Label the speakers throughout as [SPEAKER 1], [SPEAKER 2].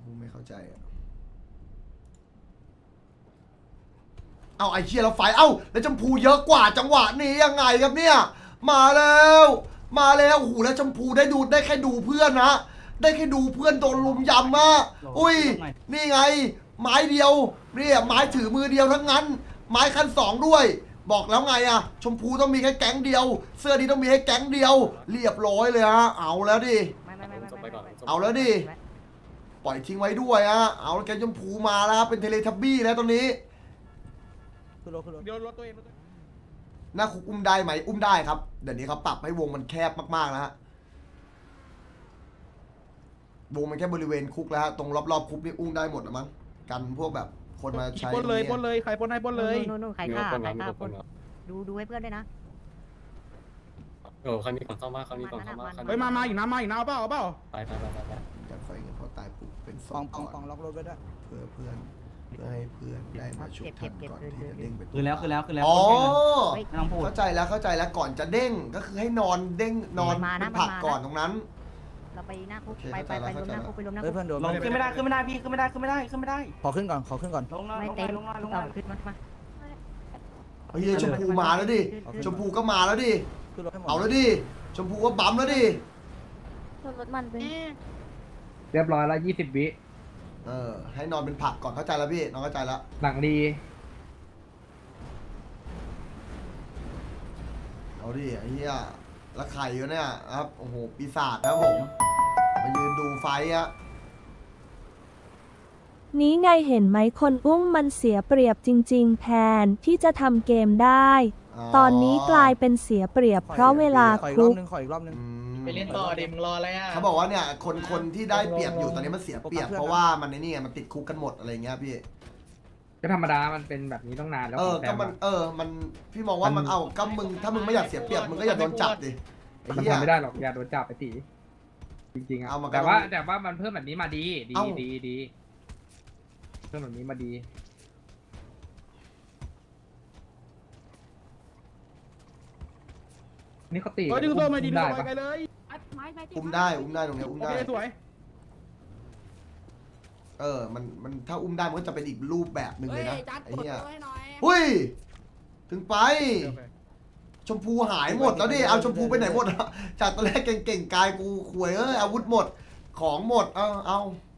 [SPEAKER 1] พูไม่เข้าใจอะเอาไอ้เชียเราไฟเอ้าแล้วชมพูเยอะกว่าจังหวะนี้ยังไงครับเนี่ยมาแล้วโอ้โหแล้วชมพูได้แค่ดูเพื่อนนะได้แค่ดูเพื่อนโดนลุมยำมาอุ้ยนี่ไงไม้เดียวเนี่ยไม้ถือมือเดียวทั้งนั้นไม้คันสองด้วยบอกแล้วไงอะชมพูต้องมีแค่แก๊งเดียวเสื้อนี้ต้องมีแค่แก๊งเดียวเรียบร้อยเลยฮะเอาแล้วดิเอาแล้วดิปล่อยทิ้งไว้ด้วยฮะเอาแกชมพูมาแล้วครับเป็นเทเลทับบี้แล้วตอนนี้
[SPEAKER 2] เดี๋ยวรถตัวเอง
[SPEAKER 1] หน้าคุกอุ้มได้ไหมอุ้มได้ครับเดี๋ยวนี้เขาปรับให้วงมันแคบมากๆแล้วฮะวงมันแค่บริเวณคุกแล้วฮะตรงรอบๆคุกนี่อุ้มได้หมดนะมั้งกันพวกแบบคนมาใช้
[SPEAKER 2] ปล้นเลยใครปล้นให้ปล้นเลย
[SPEAKER 3] นู่นใครฆ่าปล้นดูให้เพื่อนด้วยนะ
[SPEAKER 4] คันนี้ก่อนเข้ามาคันนี้ก่อนเข้ามา
[SPEAKER 2] เฮ้ยมาอีกน้ำเอาเปล่า
[SPEAKER 4] ไป
[SPEAKER 1] แต่ไฟเงินพอตายปุ๊บเป็นส
[SPEAKER 5] ป
[SPEAKER 1] อ
[SPEAKER 5] อง
[SPEAKER 1] ก่อน
[SPEAKER 5] ล็อกรถไว้ด้วย
[SPEAKER 1] เพื่อให้เพื่อนได้มาชุบทันก่อนที่จะเด้งไป
[SPEAKER 6] คือแล้ว
[SPEAKER 1] อ๋อ
[SPEAKER 6] ไม่ต้องพูด
[SPEAKER 1] เข้าใจแล้วก่อนจะเด้งก็คือให้นอนเด้งนอนเป็นผักก่อนตรงนั้น
[SPEAKER 3] เราไปหน้าคุกไปรวมหน้าคุกไปรวมหน้า
[SPEAKER 5] เฮ้
[SPEAKER 3] คุ
[SPEAKER 5] ย
[SPEAKER 3] ก
[SPEAKER 5] เพื่อนโดน
[SPEAKER 6] ลงขึ้นไม่ได้พี่ขึ้นไม่ได้
[SPEAKER 5] ขอขึ้นก่อน
[SPEAKER 6] ลงหน่อย
[SPEAKER 3] ไม่เต็ม
[SPEAKER 6] ลงหน่อย
[SPEAKER 3] ต่อขึ้นมา
[SPEAKER 1] เฮ้ยชมพูมาแล้วดิชมพูก็มาแล้วดิ
[SPEAKER 5] ขึ้นรถให้หมด
[SPEAKER 1] เอาแล้วดิชมพูก็บั๊มแล้วดิ
[SPEAKER 3] รถมันเป็น
[SPEAKER 7] เรียบร้อยแล้ว20 วิ
[SPEAKER 1] ให้นอนเป็นผักก่อนเข้าใจแล้วพี่น้องเข้าใจแล้ว
[SPEAKER 7] หลังดี
[SPEAKER 1] เอาดิไอ้เหี้ยแล้วไข่อยู่เนี่ยครับโอ้โหปีศาจนะครับผมมายืนดูไฟอะ
[SPEAKER 8] นี้ไงเห็นไหมคนอุ้มมันเสียเปรียบจริงๆแทนที่จะทำเกมได้ ตอนนี้กลายเป็นเสียเปรียบเพราะเวลา
[SPEAKER 5] ขออีก
[SPEAKER 8] คุ
[SPEAKER 5] รอบ
[SPEAKER 8] ก
[SPEAKER 5] นึงขออีกรอบนึง
[SPEAKER 2] ไปเล่นต่อดิมึงรออะไรอ่ะ
[SPEAKER 1] เขาบอกว่าเนี่ยคนที่ได้เปรียบอยู่ตอนนี้มันเสียเปรียบเพราะว่ามันในนี่ไงมันติดคุกกันหมดอะไรเงี้ยพี่
[SPEAKER 7] ก็ธรรมดามันเป็นแบบนี้ต้องนานแล้ว
[SPEAKER 1] ก็มันมันพี่มองว่ามันเอาก็มึงถ้ามึงไม่อยากเสียเปรียบมึงก็อย่าโดนจับดิไอ้
[SPEAKER 7] มัน
[SPEAKER 1] เหี้ย
[SPEAKER 7] ทำไม่ได้หรอกอย่าโดนจับไปตีจริงๆอ่ะ
[SPEAKER 1] เอามา
[SPEAKER 7] แต่ว่ามันเพิ่มแบบนี้มาดีเพิ่มแบบนี้มาดีนี่เขาตี
[SPEAKER 2] เฮ้ยดึงตัวมาดิ
[SPEAKER 7] ได้
[SPEAKER 2] ดึงตัว
[SPEAKER 7] ปะ
[SPEAKER 2] ไปเลย
[SPEAKER 1] อุ้มได้ตรงเนี้ยอุ้ม
[SPEAKER 2] โอ
[SPEAKER 1] ได้
[SPEAKER 2] เคสวย
[SPEAKER 1] มันถ้าอุ้มได้มันก็จะเป็นอีกรูปแบบหนึ่งเลยนะไอ้เหี้ยหุ้ยถึงไป ชมพูหายหมดแล้วดิเอาชมพูไปไหนหมดอะจากตอนแรกเก่งๆกายกูขวยอาวุธหมดของหมดเอา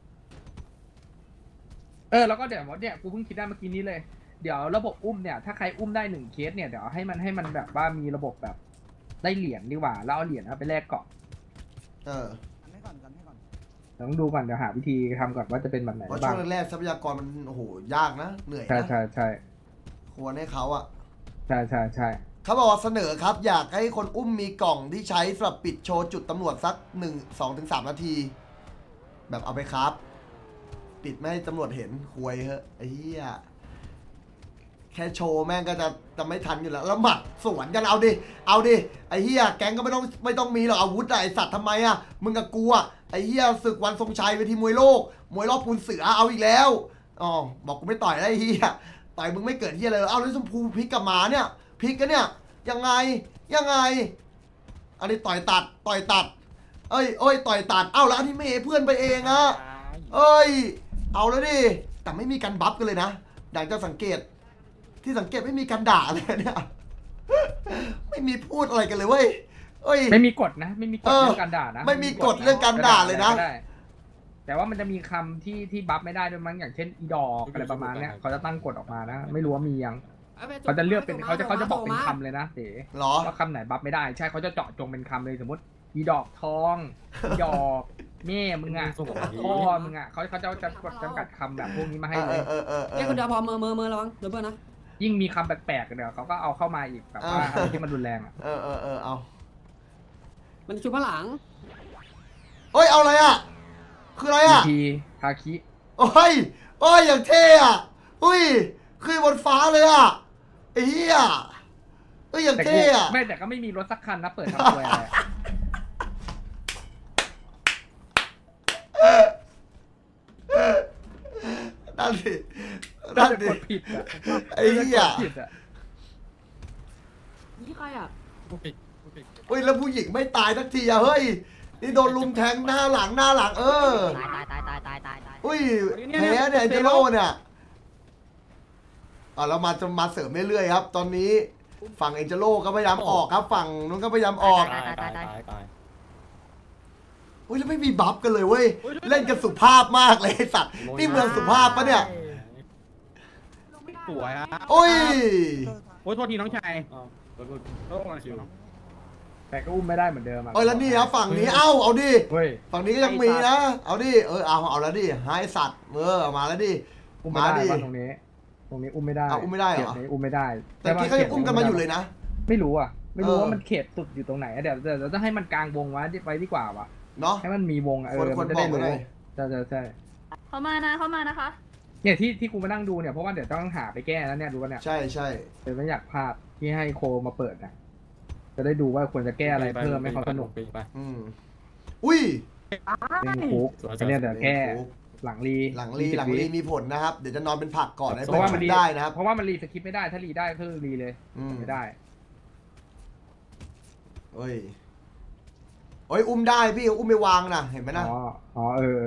[SPEAKER 7] แล้วก็เดี๋ยวเนี่ยกูเพิ่งคิดได้เมื่อกี้นี้เลยเดี๋ยวระบบอุ้มเนี่ยถ้าใครอุ้มได้1 เคสเนี่ยเดี๋ยวให้มันแบบว่ามีระบบแบบได้เหรียญดีกว่าแล้วเอาเหรียญไปแลกเกาะ
[SPEAKER 5] ให้ก่อน
[SPEAKER 7] ต้องดูก่อนเดี๋ยวหาวิธีทำก่อนว่าจะเป็นแบบไหน
[SPEAKER 1] เพราะ
[SPEAKER 7] บ้า
[SPEAKER 1] ช่
[SPEAKER 7] ง
[SPEAKER 1] วงแรกทรัพยากรมันโอ้โหยากนะเหนื่อยนะ
[SPEAKER 7] ใช่
[SPEAKER 1] ควรให้เขาอะ
[SPEAKER 7] ใช่
[SPEAKER 1] เขาบอกว่าเสนอครับอยากให้คนอุ้มมีกล่องที่ใช้สำหรับปิดโชว์จุดตำรวจสัก2-3 นาที แบบเอาไปครับ ปิดไม่ให้ตำรวจเห็นควยเฮ้ยไอ้เหี้ยแค่โชว์แม่งก็จะไม่ทันอยู่แล้วแล้วหมัดสวนกันเอาดิไอ้เหี้ยแก๊งก็ไม่ต้องมีหรอกอาวุธอะไอสัตว์ทำไมอะมึงกับกูอะไอ้เหี้ยศึกวันทรงชัยเวทีมวยโลกมวยรอบปูนเสือเอาอีกแล้วอ๋อบอกกูไม่ต่อยได้ไอ้เหี้ยต่อยมึงไม่เกิดเหี้ยเลยเอาแล้วชมพูพลิกกลับมาเนี่ยพลิกกันเนี่ยยังไงอันนี้ต่อยตัดเอ้ยต่อยตัดเอาแล้วอันนี้เมย์เพื่อนไปเองอะเอาแล้วดิแต่ไม่มีการบัฟกันเลยนะดังจะสังเกตที่สังเกตไม่มีการด่าเลยเนี่ยไม่มีพูดอะไรกันเลยเว้ย
[SPEAKER 7] ไม่มีกฎนะไม่มีกฎเรื่องการด่านะ
[SPEAKER 1] ไม่มีกฎเรื่องการด่าเลยนะ
[SPEAKER 7] แต่ว่ามันจะมีคำที่บัฟไม่ได้ด้วยมั้งอย่างเช่นอีดอกอะไรประมาณเนี้ยเขาจะตั้งกฎออกมานะไม่รู้ว่ามียังเขาจะเลือกเป็นเขาจะบอกเป็นคำเลยนะเต๋
[SPEAKER 1] หรอ
[SPEAKER 7] ว่าคำไหนบัฟไม่ได้ใช่เขาจะเจาะจงเป็นคำเลยสมมติอีดอกทองอีดอกแม่มึงอ่ะพ่อมึงอ่ะเขาจะจำกัดคำแบบพวกนี้มาให้เลย
[SPEAKER 9] แค่คนเดียวพอมือระวังเดี๋ยวเพื่อนนะ
[SPEAKER 7] ยิ่งมีคำแปลกๆเดี๋ยวเขาก็เอาเข้ามาอีกแบบว่าอะไรที่มันรุนแรงอ่ะ
[SPEAKER 1] เอา
[SPEAKER 9] มันชุบพลัง
[SPEAKER 1] เอาอะไรอ่ะคืออะไรอ่ะ
[SPEAKER 7] ทีฮาคิ
[SPEAKER 1] อย่างเท่อะคือบนฟ้าเลยอ่ะไอ้เหี้ยอย่างเท่อะ
[SPEAKER 7] แต่ก็ไม่มีรถสักคันนะเปิดทำตัวอะไร
[SPEAKER 1] นั่นดิ
[SPEAKER 7] กดผิดอ่ะ
[SPEAKER 1] ไอ้เหี้ย
[SPEAKER 9] นี่ใครอ่ะ
[SPEAKER 1] แล้วผู้หญิงไม่ตายสักทีอะเฮ้ยนี่โดนลุมแทงหน้าหลัง
[SPEAKER 3] ตาย
[SPEAKER 1] อุ้ยแพ้เนี่ยเอ็นเจโร่เนี่ยเรามาเสริมเรื่อยๆครับ ตอนนี้ฝั่งเอ็นเจโร่ก็พยายามออกครับ ฝั่งนู้นก็พยายามออก
[SPEAKER 9] ตาย
[SPEAKER 1] อุ้ยแล้วไม่มีบัฟกันเลยเว้ยเล่นกันสุภาพมากเลยไอ้สัตว์นี่เมืองสุภาพปะเนี่ย
[SPEAKER 2] สวยฮะ
[SPEAKER 1] โอ้ย
[SPEAKER 2] โอ้ยโทษทีน้องชาย
[SPEAKER 7] แต่ก็อุ้มไม่ได้เหมือนเดิมอะ
[SPEAKER 1] เอ้ยแล้วนี่ครับฝั่งนี้เอาดิ
[SPEAKER 7] เฮ้ย
[SPEAKER 1] ฝั่งนี้ก็ยังมีนะเอาดิเอาแล้วดิหายสัตว์เอามาแล้วดิ
[SPEAKER 7] อุ้มไม่
[SPEAKER 1] มา
[SPEAKER 7] ได้
[SPEAKER 1] ดิ
[SPEAKER 7] ว่าตรงนี้อุ้มไม่ได้
[SPEAKER 1] อุ้มไม่ได้เหรอ
[SPEAKER 7] ขตนี้อุ้มไม่ได้
[SPEAKER 1] แต่ที่เขายังอุ้มกันมาอยู่เลยนะ
[SPEAKER 7] ไม่รู้อ่ะ ไม่รู้
[SPEAKER 1] เออ
[SPEAKER 7] ว่ามันเขตสุดอยู่ตรงไหนอะเดี๋ยวจะให้มันกลางวงไว้ดีกว่าว่ะ
[SPEAKER 1] เนาะ
[SPEAKER 7] ให้มันมีวงอะ
[SPEAKER 1] คน
[SPEAKER 7] มันจะ
[SPEAKER 1] บอ
[SPEAKER 7] ได้
[SPEAKER 1] กมา
[SPEAKER 7] รู้
[SPEAKER 1] หน่อย
[SPEAKER 7] ใช่
[SPEAKER 9] เข้ามานะคะ
[SPEAKER 7] เนี่ยที่กูมานั่งดูเนี่ยเพราะว่าเดี๋ยวต้องหาไปแก้แล้วเนี่ยดูว่าเนี่ย
[SPEAKER 1] ใช่ใช่
[SPEAKER 7] เดี๋ยวไม่อยากพลาดที่ให้โคมาเปิดนะจะได้ดูว่าควรจะแก้อะไรเพิ่มให้เขาสนุก
[SPEAKER 1] อุ้ย
[SPEAKER 7] เล่นคุกอันเนี่ยเดี๋ยวแก้หลังรี
[SPEAKER 1] หลังรีมีผลนะครับ เดี๋ยวจะนอนเป็นผักก่อนให้
[SPEAKER 7] เพ
[SPEAKER 1] เป็น
[SPEAKER 7] ราะว่า
[SPEAKER 1] ชุ
[SPEAKER 7] มัน
[SPEAKER 1] ด
[SPEAKER 7] รี
[SPEAKER 1] ได้นะครับ
[SPEAKER 7] เพราะว่ามันรีสคริปต์ไม่ได้ถ้ารีได้คือรีเลย ไม่ได้
[SPEAKER 1] เฮ้ยอุ้มได้พี่อุ้มไม่วางนะเห็นไหมนะ
[SPEAKER 7] อ๋อ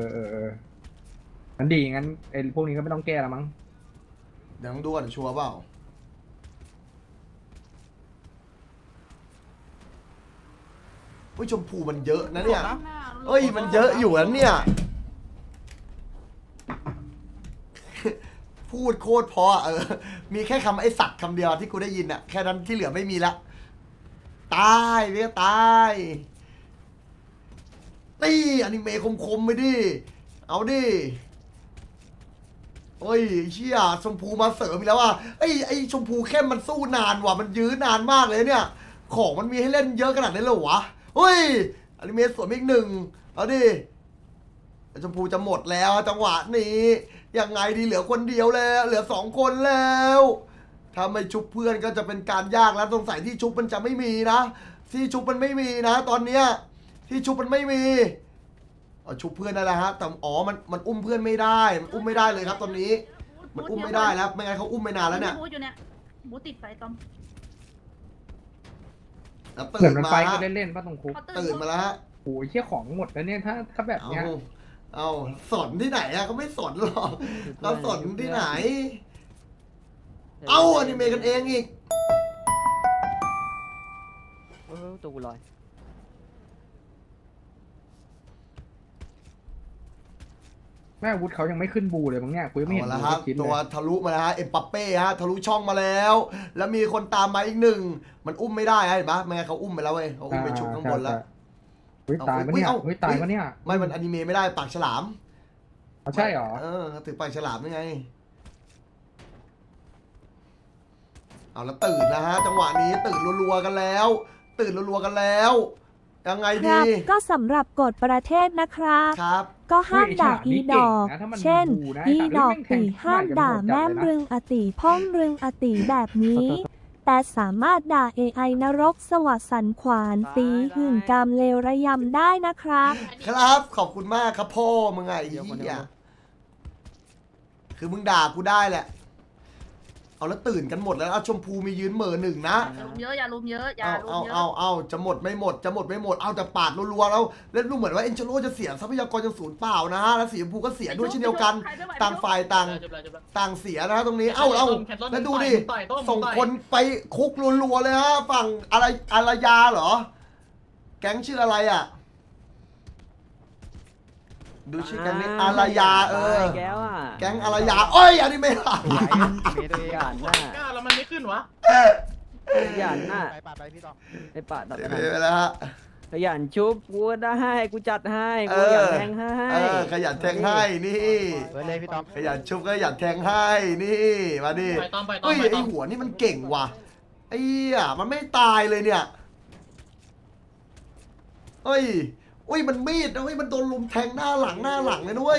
[SPEAKER 7] งั้นดีงั้นไอ้พวกนี้ก็ไม่ต้องแก้แล้วมั้ง
[SPEAKER 1] เดี๋ยวต้องดูก่อนชัวร์เปล่าอุ้ยชมพูมันเยอะนะเนี่ยเอ้ยมันเยอะอยู่นะเนี่ย พูดโคตรเพราะมีแค่คำไอ้สัตว์คำเดียวที่กูได้ยินอะแค่นั้นที่เหลือไม่มีละตายเรียกตายตีอนิเมะคมๆไปดิเอาดิเฮ้ยเชี่ยชมพูมาเสริมอีกแล้วว่ะไอ้ชมพูเข้มมันสู้นานว่ะมันยื้อนานมากเลยเนี่ยของมันมีให้เล่นเยอะขนาดนี้เลยเหรอวะเฮ้ยอนิเมะสวนอีกหนึ่งเอาดิชมพูจะหมดแล้วจังหวะนี้ยังไงดีเหลือคนเดียวแล้วเหลือ2 คนแล้วถ้าไม่ชุบเพื่อนก็จะเป็นการยากแล้วสงสัยที่ชุบมันจะไม่มีนะที่ชุบมันไม่มีนะตอนเนี้ยที่ชุบมันไม่มีชุบเพื่อนนั่นแหละฮะแต่มันอุ้มเพื่อนไม่ได้มันอุ้มไม่ได้เลยครับตอนนี้มันอุ้มไม่ได้แล้วไม่งั้นเขาอุ้มไม่นานแล้วเนี่ย
[SPEAKER 9] บูอยู่เนี่ยบูติดไฟตอม
[SPEAKER 1] แล้ว
[SPEAKER 7] เหมื
[SPEAKER 1] ตื่
[SPEAKER 7] อน
[SPEAKER 1] น
[SPEAKER 7] มัน
[SPEAKER 1] มา
[SPEAKER 7] ไฟ
[SPEAKER 1] ฮะ
[SPEAKER 7] ก็เล่นๆป่ะตรงคุก
[SPEAKER 1] ตื่นมาแล้วฮะ
[SPEAKER 7] โอ้ยเชี่ยของหมดแล้วเนี่ยถ้าแบบเนี้ย
[SPEAKER 1] เอาสนที่ไหนอะเขาไม่สนหรอกเราสนที่ไหนเอาอนิเมะกันเองอีก
[SPEAKER 5] ตัวกูลอย
[SPEAKER 7] แม่อาวุธเขายังไม่ขึ้นบูเลยมั้งเนี่ยกูยังไม่เห็น
[SPEAKER 1] เอาละ
[SPEAKER 7] บู
[SPEAKER 1] ครับ
[SPEAKER 7] สักชิ้น
[SPEAKER 1] ตั
[SPEAKER 7] เล
[SPEAKER 1] วย ทะลุมาแล้วฮะเอ็มปัปเป้ฮะทะลุช่องมาแล้ว แล้วมีคนตามมาอีกหนึ่งมันอุ้มไม่ได้ฮะเห็นปะไม่งั้นเขาอุ้มไปแล้วเว้ยเขาอุ้มไปชุบข้างบนแล้ว
[SPEAKER 7] เฮ้ยตายปะเนี่ย
[SPEAKER 1] เอา
[SPEAKER 7] เฮ้ยตายปะเนี่ย
[SPEAKER 1] ไม่มันอนิเมะไม่ได้ปากฉลาม
[SPEAKER 7] ใช่หรอ
[SPEAKER 1] ถือปากฉลามยังไงเอาแล้วตื่นนะฮะจังหวะนี้ตื่นรัวๆกันแล้ว ตื่นรัวๆกันแล้วยังไง
[SPEAKER 8] ครั
[SPEAKER 1] ดี
[SPEAKER 8] บ ก็สำหรับกฎประเทศนะครับ
[SPEAKER 1] ครับ
[SPEAKER 8] ก็ห้ามด่าอีดอก เช่น อี
[SPEAKER 7] ด
[SPEAKER 8] ดอกตีห้ามด่าแม่มรึงอติพ่องรึงอติแบบนี้ แต่สามารถด่า AI นรกสวัสดิ์สันขวานตีหึ่งกามเลวระยำได้นะครับ
[SPEAKER 1] ครับขอบคุณมากครับพ่อมึงไงเหี้ยคือมึงด่ากูได้แหละเอาแล้วตื่นกันหมดแล้วเอาชมพูมียืนเหม่อหนึ่งนะ
[SPEAKER 9] อย่าลุมเยอะอย่าลุมเยอะอย่าลุมเยอะ
[SPEAKER 1] เอาจะหมดไม่หมดจะหมดไม่หมดเอาแต่ปาดรัวๆแล้วเล่นดูเหมือนว่าเอ็นเจโร่จะเสียทรัพยากรจนศูนย์เปล่านะฮะแล้วสีชมพูก็เสียด้วยเช่นเดียวกันต่างฝ่ายต่างเสียนะฮะตรงนี้เอาแล้วดูดิส่งคนไปคุกรัวๆเลยฮะฝั่งอารยาเหรอแก๊งชื่ออะไรอ่ะดูชื่อแก๊งนี้อารยา
[SPEAKER 5] แก้วอ่ะ
[SPEAKER 1] แก๊งอารยาโอ้ยอันนี้ไม่ได้
[SPEAKER 5] หยาดหน้า
[SPEAKER 2] ก้าแล้วมันไม่ขึ้นวะ
[SPEAKER 5] หยาดหน้า
[SPEAKER 2] ไปพี่ต่อ
[SPEAKER 5] ไอ้ปะตัด
[SPEAKER 1] ไปแล้วฮะ
[SPEAKER 5] ขยันชุบกูได้กูจัดให้กูอยากแทงให้
[SPEAKER 1] ขยันแทงให้นี่
[SPEAKER 2] ไปเลยพี่ต่อ
[SPEAKER 1] ขยันชุบก็ขยันแทงให้นี่มาดิ
[SPEAKER 2] ไปตอม
[SPEAKER 1] เฮ้ยไอหัวนี่มันเก่งว่ะไอ้มันไม่ตายเลยเนี่ยเฮ้ยอุ้ยมันมีดนะเฮ้ยมันโดนลุมแทงหน้าหลังเลยด้วย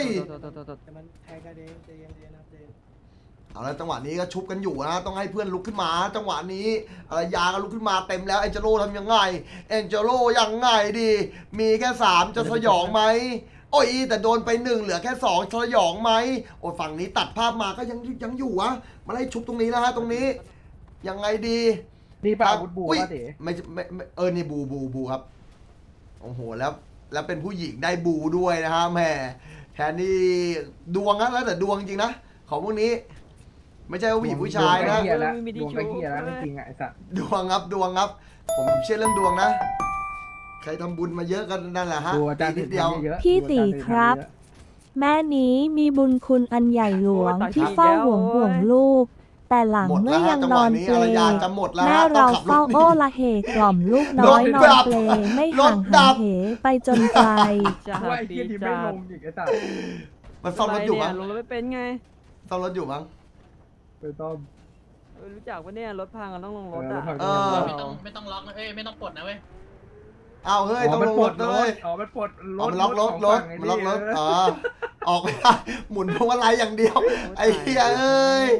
[SPEAKER 1] เอาแล้วจังหวะนี้ก็ชุบกันอยู่นะต้องให้เพื่อนลุกขึ้นมาจังหวะนี้อารยาก็ลุกขึ้นมาเต็มแล้วเอ็นเจโร่ทำยังไงเอ็นเจโร่ยังไงดีมีแค่3จะสยองไหมโอ้ยแต่โดนไป1เหลือแค่2สยองไหมโอ้ยฝั่งนี้ตัดภาพมาก็ยังอยู่วะมาไล่ชุบตรงนี้นะฮะตรงนี้ยังไงดี
[SPEAKER 7] นี่ป่ะอาวุธบู
[SPEAKER 1] อุ๊ย
[SPEAKER 7] ป่ะเด๋
[SPEAKER 1] ไม่นี่บูครับโอ้โหแล้วเป็นผู้หญิงได้บูด้วยนะฮะแหมแทนนี่ดวงนะแล้วแต่ดวงจริงนะของพวกนี้ ไม่ใช่ว่าผู้หญิงผู้ชายนะ
[SPEAKER 7] ดวงไอ้เหี้ยแล้วดวงไอ้เหี้ยแล้วจริงๆอะไอ้สัตว์
[SPEAKER 1] ดวงครับดวงครับ ผมเชื่อเรื่องดวงนะ ใครทำบุญมาเยอะกันนั่นแหละฮะ
[SPEAKER 7] ดูอาจารย์
[SPEAKER 1] นิดเดียว
[SPEAKER 7] เยอะ
[SPEAKER 8] พี่ตีครับ แม่นี้มีบุญคุณอันใหญ่หลวงที่เฝ้าห่วงลูก แต่หลัง
[SPEAKER 1] หมด
[SPEAKER 8] เมื่
[SPEAKER 1] แล้ว
[SPEAKER 8] อ
[SPEAKER 1] ฮะ
[SPEAKER 8] ยัง
[SPEAKER 1] จัง
[SPEAKER 8] น
[SPEAKER 1] ห
[SPEAKER 8] อ
[SPEAKER 1] วะ
[SPEAKER 8] น
[SPEAKER 1] นี้
[SPEAKER 8] เปล
[SPEAKER 1] อารยาจะหมดแล้ว
[SPEAKER 8] แม่
[SPEAKER 1] ฮะต้อ
[SPEAKER 8] เรา
[SPEAKER 1] งขับร
[SPEAKER 8] เฝ้า
[SPEAKER 1] ถหนี
[SPEAKER 8] โอ้ละเหกล่อมลูกน้อยนอนเปลไม่ห่างหายเหไปจนไกล
[SPEAKER 5] จะ
[SPEAKER 7] ว่าไอ้
[SPEAKER 5] ดี
[SPEAKER 7] เหี้ยที่ไม่
[SPEAKER 5] จั
[SPEAKER 7] ล
[SPEAKER 5] ด
[SPEAKER 7] งอีกไอ้สัตว์
[SPEAKER 1] มันซ่อมรถอยู่มั้ง
[SPEAKER 5] ลงรถไม่เป็นไง
[SPEAKER 1] ซ่อมรถอยู่มั้ง
[SPEAKER 7] ไปต้อม
[SPEAKER 5] รู้จักปะเนี่ยรถพังกันต้องลงรถ
[SPEAKER 7] เออ
[SPEAKER 5] อ่ะ
[SPEAKER 7] รถพัง
[SPEAKER 1] เออ
[SPEAKER 9] ไม่ต้องล็อกนะเอ้ยไม่ต้องปลดนะเว้ย
[SPEAKER 1] เอาเฮ้ยต้องลงรถเลย
[SPEAKER 7] อ๋อมันปลด
[SPEAKER 1] เอามันล็อกรถรถมันล็อกรถอ๋อออกไม่ได้หมุนพวงมาลัยอย่างเดียว ไอ้เหี้ยเอ้ย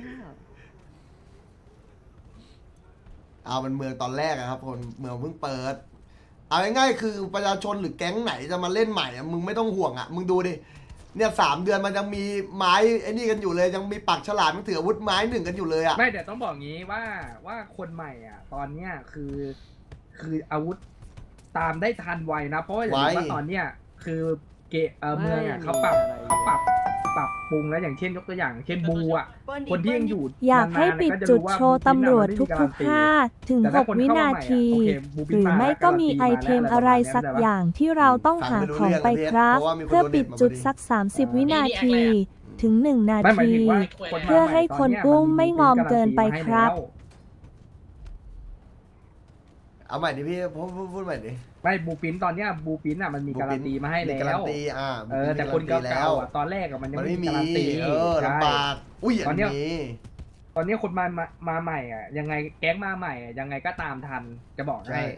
[SPEAKER 1] เอามันเมืองตอนแรกอะครับคนเมืองเพิ่งเปิด เอาง่ายๆคือประชาชนหรือแก๊งไหนจะมาเล่นใหม่อะมึงไม่ต้องห่วงอะมึงดูดิเนี่ย3 เดือนมันยังมีไม้ไอ้นี่กันอยู่เลย ยังมีปักฉลามยังถืออาวุธไม้1กันอยู่เลยอะ
[SPEAKER 7] ไม่แต่ต้องบอกงี้ว่าคนใหม่อ่ะ ตอนเนี้ยคืออาวุธตามได้ทันไวนะ เพราะว่าอย่างว่าตอนเนี้ยคือเมืองอ่ะเขาปรับปรุงแล้วอย่างเช่นยกตัวอย่าง เช่นบูอ่ะคนที่ยังอยู่
[SPEAKER 8] อยากให้ปิดจุดโชว์ตำรวจทุก5 ถึง 6 วินาที หรือไม่ก็มีไอเทมอะไรสักอย่างที่เราต้องหาของไปครับ เพื่อปิดจุดสัก 30 วินาที ถึง 1 นา
[SPEAKER 7] ไม่หมาย
[SPEAKER 8] ที
[SPEAKER 7] ถึงว่าคน
[SPEAKER 8] เพื่อให้คนอุ้มไม่งอมเกินไปครับ
[SPEAKER 1] เอาใหม่ดิพี่พูดใหม่ดิ
[SPEAKER 7] ไม่บูปินตอนเนี้ยบูปินอ่ะมันมีการันตีมาให้
[SPEAKER 1] มี
[SPEAKER 7] แล้
[SPEAKER 1] การั
[SPEAKER 7] วน
[SPEAKER 1] ตี
[SPEAKER 7] แต่คน
[SPEAKER 1] มีการัตี
[SPEAKER 7] เก่าๆอ่ะตอนแรกอ่ะมันยัง
[SPEAKER 1] มัน
[SPEAKER 7] ไม่
[SPEAKER 1] ไม่
[SPEAKER 7] มี
[SPEAKER 1] มี
[SPEAKER 7] การันตี
[SPEAKER 1] ลำบาก อุ้ย
[SPEAKER 7] ตอนเนี้ย
[SPEAKER 1] นี้
[SPEAKER 7] ตอนนี้คนมาใหม่อ่ะยังไงแก๊งมาใหม่อ่ะยังไงก็ตามทันจะบอก
[SPEAKER 1] ใช่
[SPEAKER 7] ให้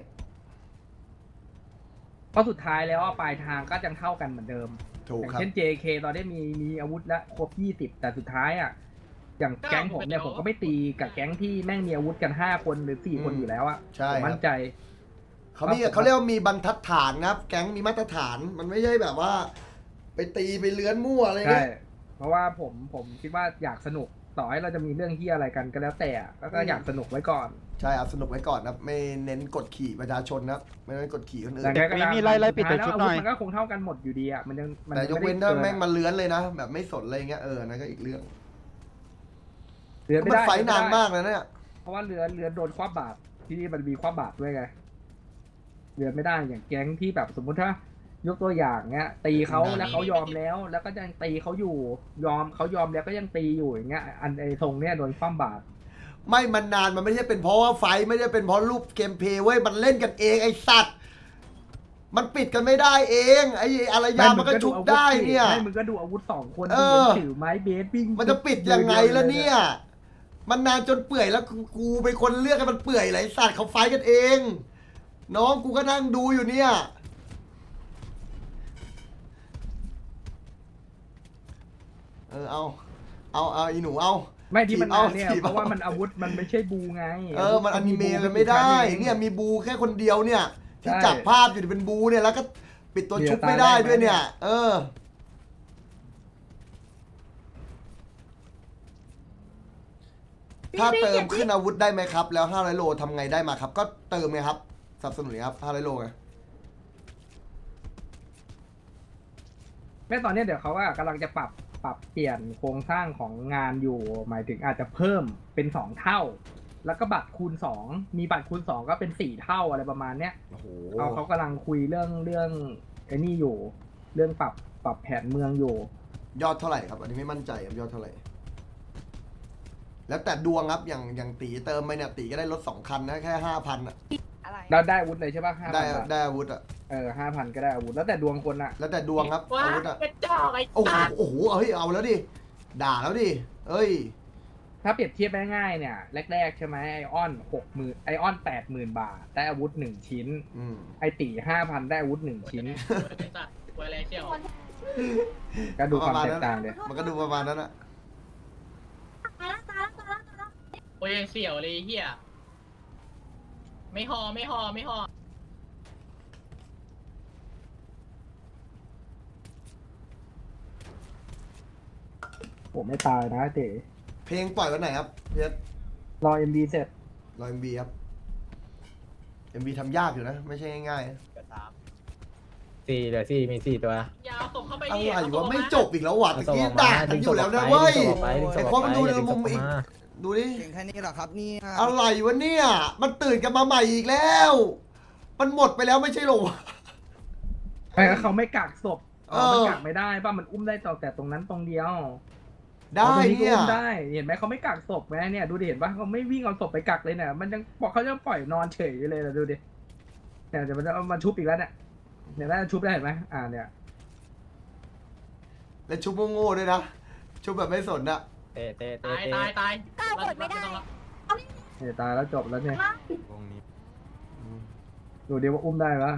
[SPEAKER 7] เพราะสุดท้ายแล้วปลายทางก็ยังเท่ากันเหมือนเดิม
[SPEAKER 1] ถูก
[SPEAKER 7] อย่าง
[SPEAKER 1] ครับ
[SPEAKER 7] เช่น JK ตอนนี้มีอาวุธแล้วครบ20แต่สุดท้ายอ่ะอย่างแก๊งผมเนี่ยผมก็ไม่ตีกับแก๊งที่แม่งมีอาวุธกัน5 คนหรือ4 คนอยู่แล้วอ่ะ
[SPEAKER 1] ใช่
[SPEAKER 7] ผม
[SPEAKER 1] ครั
[SPEAKER 7] มั่
[SPEAKER 1] บ
[SPEAKER 7] นใจ
[SPEAKER 1] เขาเรียกว่ามีบรรทัดฐานนะครับ แก๊งมีมาตรฐาน มันไม่ใช่แบบว่า ไปตีไปเลื้อนมั่วอะไร
[SPEAKER 7] ใช่
[SPEAKER 1] เงี้ย
[SPEAKER 7] เพราะว่าผมคิดว่าอยากสนุกต่อให้เราจะมีเรื่องที่อะไรกันก็แล้วแต่ก็อยากสนุกไว้ก่อน
[SPEAKER 1] ใช่เอาสนุกไว้ก่อนนะครับ ไม่เน้นกดขี่ประชาชนนะครับ ไม่เน้นกดขี่คนอื่น
[SPEAKER 7] แต่
[SPEAKER 2] มีไล่ปิดแต่ชุดหน่อย
[SPEAKER 7] มันก็คงเท่ากันหมดอยู่ดีอ่ะมันยัง
[SPEAKER 1] แต่ยกเว้น
[SPEAKER 7] ไม่
[SPEAKER 1] ถ้า
[SPEAKER 7] ได้
[SPEAKER 1] แม่งมาเลื้อนเลยนะ แบบไม่สนอะไรเงี้ยนั่นก็อีกเรื่อง
[SPEAKER 7] เรือไม่
[SPEAKER 1] มัน
[SPEAKER 7] ได้
[SPEAKER 1] ไฟท์นานมากเลยเนี่ย
[SPEAKER 7] เพราะว่าเรือโดนคว้าบาตรที่นี่มันมีคว้าบาตรด้วยไงเรือไม่ได้อย่างแก๊งที่แบบสมมุติถ้ายกตัวอย่างเงี้ย ตีเขาแล้วเขายอมแล้ว แล้วก็ยังตีเขาอยู่เขายอมแล้วก็ยังตีอยู่อย่างเงี้ยอันไอ้ทรงเนี้ยโดนคว้าบาตร
[SPEAKER 1] ไม่มันนานมันไม่ใช่เป็นเพราะว่าไฟท์ไม่ได้เป็นเพราะรูปเกมเพลย์เว้ยมันเล่นกันเองไอ้สัตว์มันปิดกันไม่ได้เองไอ้อารยามันก็ชุบได้เนี่ย
[SPEAKER 7] ให้มึงก็ดูอาวุธ2 คน
[SPEAKER 1] เอ
[SPEAKER 7] ที่
[SPEAKER 1] อ
[SPEAKER 7] ถือไม้เบสวิ่ง
[SPEAKER 1] มันจะปิดยังไงล่ะเนี่ย มันนานจนเปื่อยแล้วกูเป็นคนเลือกให้มันเปื่อยไหลสัตว์เขาไฟท์กันเอง น้องกูก็นั่งดูอยู่เนี่ยเอาอีหนูเอา
[SPEAKER 7] ไม่ที่มัน
[SPEAKER 1] ถีบเอา
[SPEAKER 7] เนี่ย
[SPEAKER 1] ถีบเอา
[SPEAKER 7] เพราะว่ามันอาวุธมันไม่ใช่บูไง
[SPEAKER 1] มันอนิเมะกันไม่ได้ เนี่ยมีบูแค่คนเดียวเนี่ย ที่จับภาพอยู่เป็นบูเนี่ยแล้วก็ปิดตัวชุบไม่ได้ด้วยเนี่ย ถ้าเติมขึ้นอาวุธได้ไหมครับ แล้ว500 โลทำไงได้มาครับ ก็เติมไงครับสนับสนุนครับ500 โลไง
[SPEAKER 7] แม่ตอนเนี้ยเดี๋ยวเขาว่ากำลังจะปรับเปลี่ยนโครงสร้างของงานอยู่ หมายถึงอาจจะเพิ่มเป็น2 เท่า แล้วก็บัตรคูณ2มีบัตรคูณ2ก็เป็น4 เท่าอะไรประมาณเนี้ย
[SPEAKER 1] โอ้โห
[SPEAKER 7] เขากำลังคุยเรื่องไอ้นี่อยู่ เรื่องปรับแผนเมืองอยู่
[SPEAKER 1] ยอดเท่าไหร่ครับ อันนี้ไม่มั่นใจครับยอดเท่าไหร่ แล้วแต่ดวงครับอย่างตีเติมไปเนี่ยตีก็ได้รถ2 คันนะแค่ 5,000 อ่ะ
[SPEAKER 7] เราได้อาวุธเลยใช่ปะ5,000
[SPEAKER 1] ได้อาวุธอ่ะ
[SPEAKER 7] 5,000 ก็ได้อาวุธแล้วแต่ดวงคนอะ
[SPEAKER 1] แล้วแต่ดวงครับ
[SPEAKER 9] ว้า
[SPEAKER 1] อาวุธอ่ะ
[SPEAKER 9] กระจอกไอ้
[SPEAKER 1] โอ้โห
[SPEAKER 9] สัตว์
[SPEAKER 1] โอ้โหเฮ้ยเอาแล้วดิด่าแล้วดิเอ้ย
[SPEAKER 7] ถ้าเปรียบเทียบง่ายๆเนี่ยแรกๆใช่ไหมไอออน60,000ไอออน80,000 บาทได้อาวุธ1 ชิ้น ไอตี5,000ได้อาวุธ1 ชิ้น
[SPEAKER 9] ไอ้สัตว์ไวอะไรเชี่ยว
[SPEAKER 7] ก็ดูความแตกต่างเลย
[SPEAKER 1] มันก็ดูประมาณนั้นอะ
[SPEAKER 9] โอ้ยเสี่ยวเลยเฮียไม่หอ
[SPEAKER 7] ผมไม่ตายนะเต๋
[SPEAKER 1] เพลงปล่อยวันไหนครับเพชร
[SPEAKER 7] รอ MV เสร็จ
[SPEAKER 1] รอ MV ครับ MV ทำยากอยู่นะ ไม่ใช่ง่ายๆนะ
[SPEAKER 5] เหลือสี่มี4 ตัว
[SPEAKER 9] ยาวส่งเข้าไป
[SPEAKER 1] อะไร
[SPEAKER 9] ดิเอาส่ง
[SPEAKER 1] วะ
[SPEAKER 9] ออก
[SPEAKER 1] ไม่
[SPEAKER 9] มา
[SPEAKER 1] จบอีกแล้ววะตะกี้ด่ากันอยู่แล้วนะเว้ยไอ้คนมันดูในมุมอีกดูดิ
[SPEAKER 4] เก่งแค่นี้เหรอครับเนี่ย
[SPEAKER 1] อะไรวะเนี่ยมันตื่นกันมาใหม่อีกแล้ว มันหมดไปแล้วไม่ใช่หรอวะ
[SPEAKER 7] ไม่งั้นเขาไม่กักศพ
[SPEAKER 1] เออ
[SPEAKER 7] มันกักไม่ได้ป่ะมันอุ้มได้แต่ตรงนั้นตรงเดียว
[SPEAKER 1] ได้
[SPEAKER 7] ตรงนี้ก็
[SPEAKER 1] เนี่ย
[SPEAKER 7] อุ้มได้เห็นไหมเขาไม่กักศพไหมเนี่ยดูดิเห็นปะเขาไม่วิ่งเอาศพไปกักเลยเนี่ยมันยังบอกเขาจะปล่อยนอนเฉยอยู่เลยนะดูดิเนี่ยเดี๋ยวมันจะเอามาชุบอีกแล้วเนี่ยเนี่ยน่าจะชุบได้เห็นไหมเนี่ย
[SPEAKER 1] และชุบโง่ๆด้วยนะชุบแบบไม่สนอะ
[SPEAKER 5] เตะ
[SPEAKER 9] ตายตายตาย
[SPEAKER 3] ก้าวกดไม่ได้
[SPEAKER 7] เนี่ยตายแล้วจบแล้วเนี่ยดูดิว่าอุ้มได้ปะ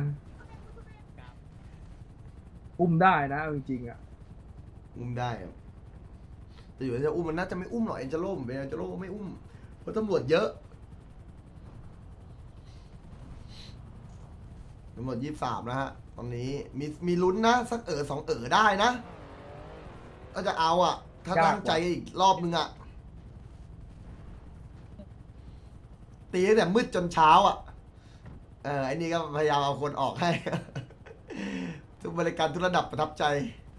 [SPEAKER 7] อุ้มได้นะเอาจริงๆอ่ะ
[SPEAKER 1] อุ้มได้อะแต่อยู่จะอุ้มมันน่าจะไม่อุ้มหรอกเอ็นเจโร่ผมเป็นเอ็นเจโร่ไม่อุ้มเพราะตำรวจเยอะตำรวจ23นะฮะตอนนี้มีลุ้นนะสัก2 ได้นะก็จะเอาอ่ะ ถ้าตั้งใจอีกรอบนึงอ่ะตีตั้งแต่มืดจนเช้าอ่ะไอ้นี่ก็พยายามเอาคนออกให้ ทุกบริการทุกระดับประทับใจ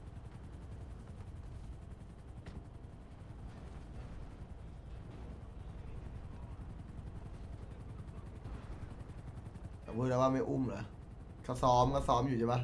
[SPEAKER 1] แต่พูดแล้วว่าไม่อุ้มเหรอเขาซ้อมอยู่ใช่ปะ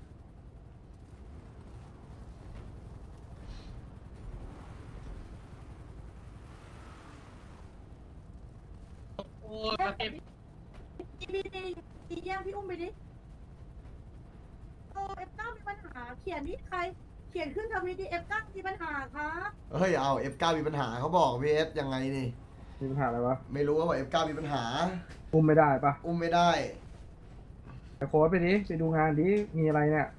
[SPEAKER 9] โอ้ยมาเก็บ
[SPEAKER 3] ดีแย่งพี่อุ้มไปดิโอ้F9มีปัญหาเขียนนี่ใครเขียนขึ้นทวิตดิF9มีปัญหาครับ
[SPEAKER 1] เฮ้ยเอา F9 มีปัญหาเขาบอกพีเอสยังไงนี่
[SPEAKER 7] มีปัญหาอะไรวะ
[SPEAKER 1] ไม่รู้ว่า F9 มีปัญหา
[SPEAKER 7] อุ้มไม่ได้ปะ
[SPEAKER 1] อุ้มไม่ได้
[SPEAKER 7] ไปโค้ดไปดิไปดูงานดิมีอะไรเนี่ย